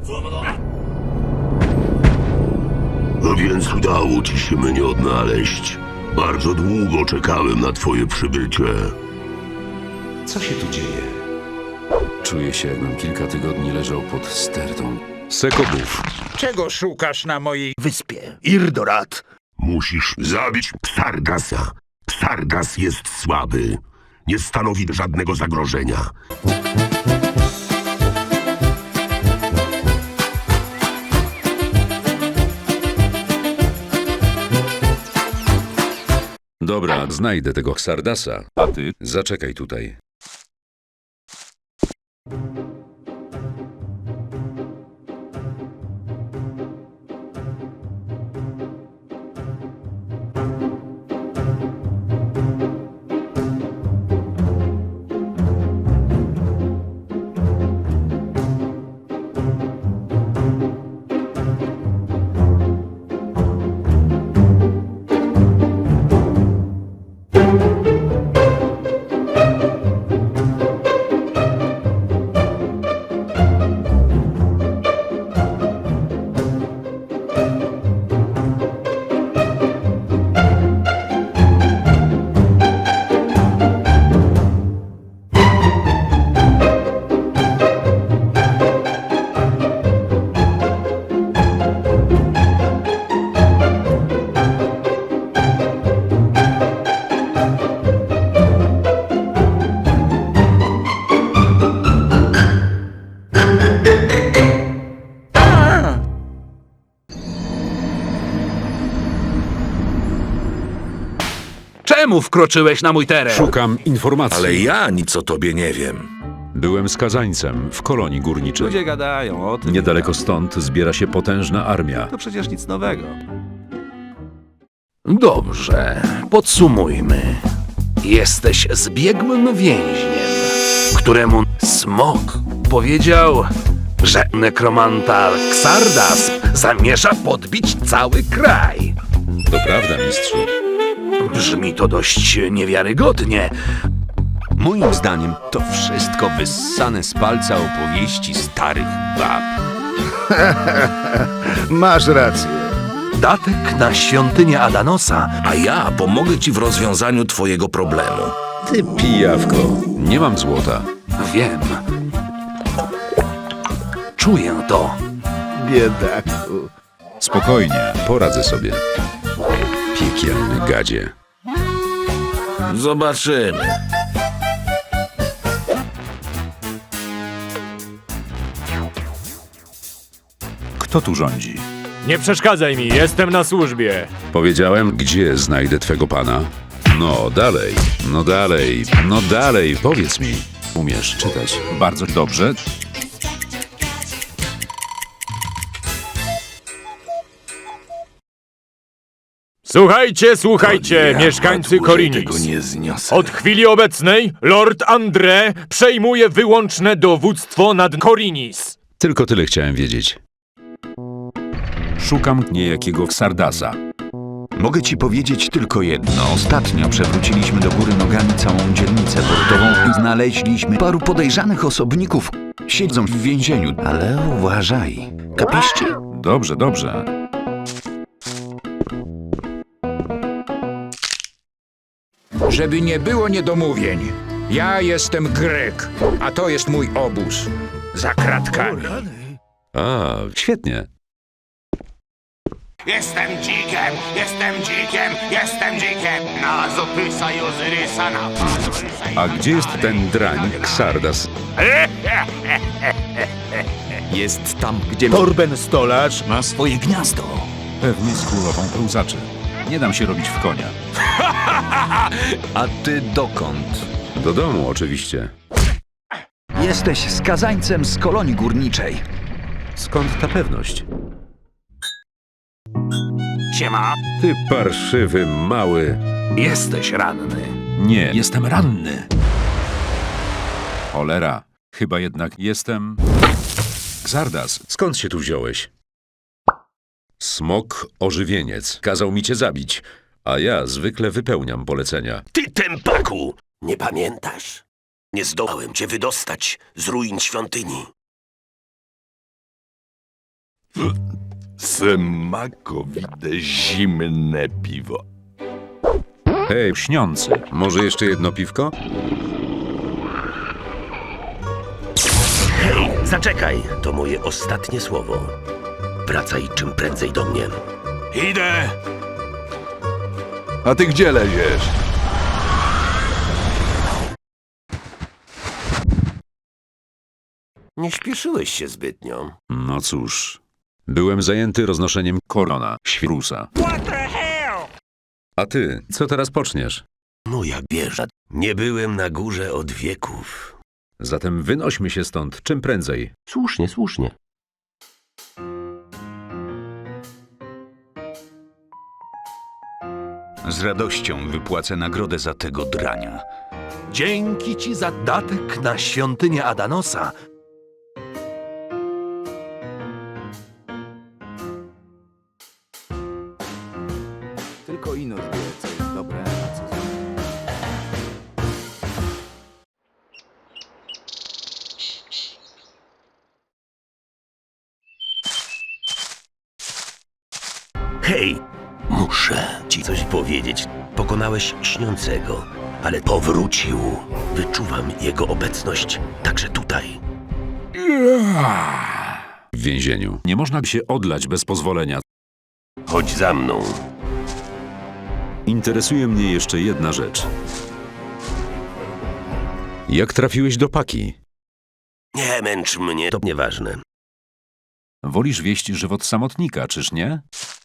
A więc udało ci się mnie odnaleźć. Bardzo długo czekałem na twoje przybycie. Co się tu dzieje? Czuję się, jakbym kilka tygodni leżał pod stertą. Sekobów. Czego szukasz na mojej Wyspie Irdorat. Musisz zabić Xardasa. Xardas jest słaby. Nie stanowi żadnego zagrożenia. Dobra, znajdę tego Xardasa. A ty zaczekaj tutaj. Czemu wkroczyłeś na mój teren? Szukam informacji. Ale ja nic o tobie nie wiem. Byłem skazańcem w kolonii górniczej. Ludzie gadają o tym. Niedaleko stąd zbiera się potężna armia. To przecież nic nowego. Dobrze, podsumujmy. Jesteś zbiegłym więźniem, któremu Smok powiedział, że nekromanta Xardas zamierza podbić cały kraj. To prawda, mistrzu. Brzmi to dość niewiarygodnie. Moim zdaniem to wszystko wyssane z palca opowieści starych bab. Masz rację. Datek na świątynię Adanosa. A ja pomogę ci w rozwiązaniu twojego problemu. Ty pijawko. Nie mam złota. Wiem. Czuję to. Biedaku. Spokojnie, poradzę sobie. Piekielny gadzie. Zobaczymy. Kto tu rządzi? Nie przeszkadzaj mi, jestem na służbie. Powiedziałem, gdzie znajdę twego pana? No dalej, no dalej, no dalej, powiedz mi. Umiesz czytać bardzo dobrze. Słuchajcie, mieszkańcy Korinis. Tego nie zniosę. Od chwili obecnej Lord André przejmuje wyłączne dowództwo nad Korinis. Tylko tyle chciałem wiedzieć. Szukam niejakiego Xardasa. Mogę ci powiedzieć tylko jedno. Ostatnio przewróciliśmy do góry nogami całą dzielnicę portową i znaleźliśmy paru podejrzanych osobników. Siedzą w więzieniu, ale uważaj. Kapiści? Dobrze, dobrze. Żeby nie było niedomówień. Ja jestem Grek, a to jest mój obóz. Za kratkami. A, świetnie. Jestem dzikiem, jestem dzikiem, jestem dzikiem. Na Zotysa i Ozyrysa, na Pazurysa i A gdzie jest ten drań, Xardas? Jest tam, gdzie... Torben Stolarz Ma swoje gniazdo. Pewnie z królową pełzaczy. Nie dam się robić w konia. A ty dokąd? Do domu oczywiście. Jesteś skazańcem z kolonii górniczej. Skąd ta pewność? Siema. Ty parszywy, mały. Jesteś ranny. Nie, jestem ranny. Cholera, chyba jednak jestem... Xardas. Skąd się tu wziąłeś? Smok ożywieniec kazał mi cię zabić, a ja zwykle wypełniam polecenia. Ty tępaku! Nie pamiętasz? Nie zdołałem cię wydostać z ruin świątyni. Smakowite zimne piwo. Hej, śniący, może jeszcze jedno piwko? Hej, zaczekaj! To moje ostatnie słowo. Wracaj czym prędzej do mnie. Idę! A ty gdzie leziesz? Nie śpieszyłeś się zbytnio. No cóż, byłem zajęty roznoszeniem korona, świrusa. A ty, co teraz poczniesz? Moja wieża. Nie byłem na górze od wieków. Zatem wynośmy się stąd czym prędzej. Słusznie, słusznie. Z radością wypłacę nagrodę za tego drania. Dzięki ci za datek na świątynię Adanosa. Tylko Inusz wie, co jest dobre, a co złe. Hej! Muszę ci coś powiedzieć. Pokonałeś śniącego, ale powrócił. Wyczuwam jego obecność także tutaj. W więzieniu. Nie można się odlać bez pozwolenia. Chodź za mną. Interesuje mnie jeszcze jedna rzecz. Jak trafiłeś do Paki? Nie męcz mnie, to nieważne. Wolisz wieść żywot samotnika, czyż nie?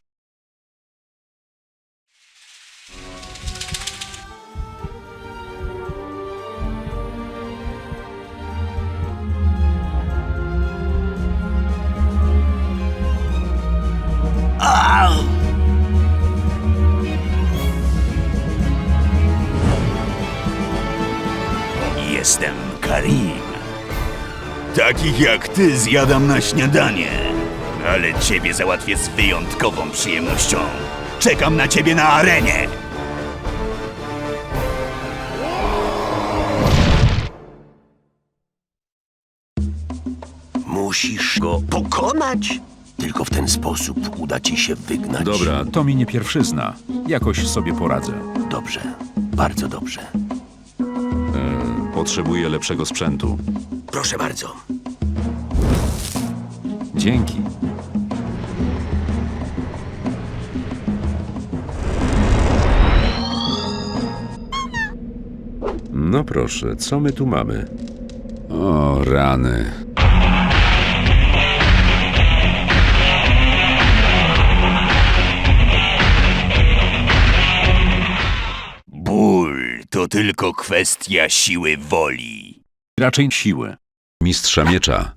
Jestem Karim. Takich jak ty zjadam na śniadanie. Ale ciebie załatwię z wyjątkową przyjemnością. Czekam na ciebie na arenie. Musisz go pokonać. Tylko w ten sposób uda ci się wygnać. Dobra, to mi nie pierwszyzna. Jakoś sobie poradzę. Dobrze, bardzo dobrze. Potrzebuję lepszego sprzętu. Proszę bardzo. Dzięki. No proszę, co my tu mamy? O, rany. Ból to tylko kwestia siły woli. Raczej siły. Mistrza miecza.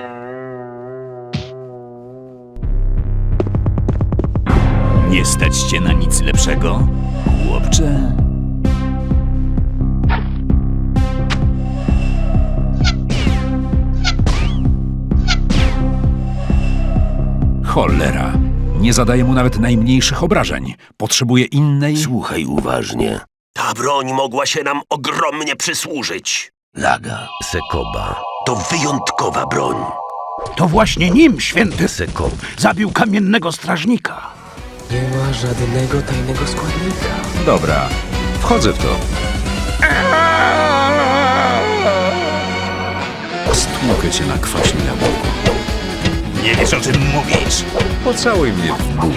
Nie stać cię na nic lepszego, chłopcze? Cholera. Nie zadaję mu nawet najmniejszych obrażeń. Potrzebuję innej... Słuchaj uważnie. Ta broń mogła się nam ogromnie przysłużyć. Laga Sekoba to wyjątkowa broń. To właśnie nim święty Sekob zabił kamiennego strażnika. Nie ma żadnego tajnego składnika. Dobra, wchodzę w to. Stłukę cię na kwaśnym jabłku. Nie wiesz, o czym mówisz. Pocałuj mnie w bóg.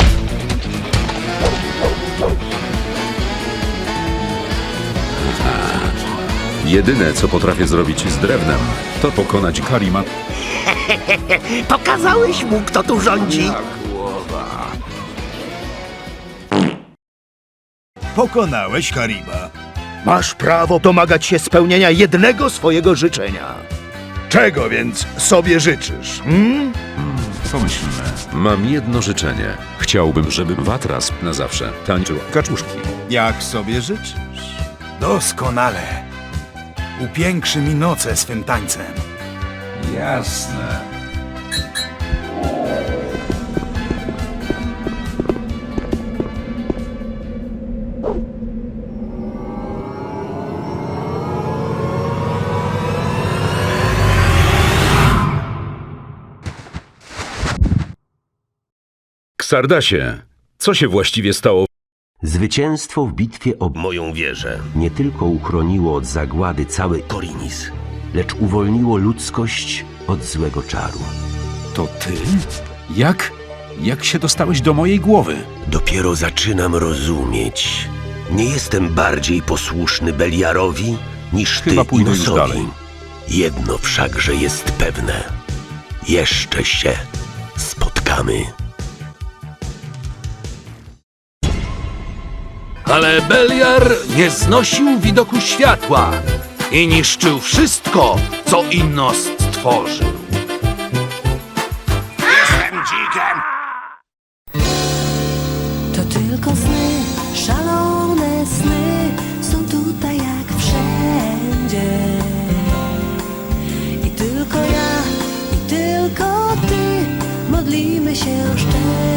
Jedyne, co potrafię zrobić z drewnem, to pokonać Karima. Pokazałeś mu, kto tu rządzi. Pokonałeś Karima. Masz prawo domagać się spełnienia jednego swojego życzenia. Czego więc sobie życzysz? Co myślimy? Mam jedno życzenie. Chciałbym, żeby Watras na zawsze tańczył kaczuszki. Jak sobie życzysz? Doskonale. Upiększy mi noce swym tańcem. Jasne. Xardasie, co się właściwie stało? Zwycięstwo w bitwie o moją wieżę nie tylko uchroniło od zagłady cały Korinis, lecz uwolniło ludzkość od złego czaru. To ty? Jak się dostałeś do mojej głowy? Dopiero zaczynam rozumieć. Nie jestem bardziej posłuszny Beliarowi niż ty Chyba pójdę już Inosowi. dalej. Jedno wszakże jest pewne. Jeszcze się spotkamy. Ale Beliar nie znosił widoku światła i niszczył wszystko, co Innos stworzył. Jestem dzikiem! To tylko sny, szalone sny są tutaj jak wszędzie. I tylko ja, i tylko ty modlimy się szczerze.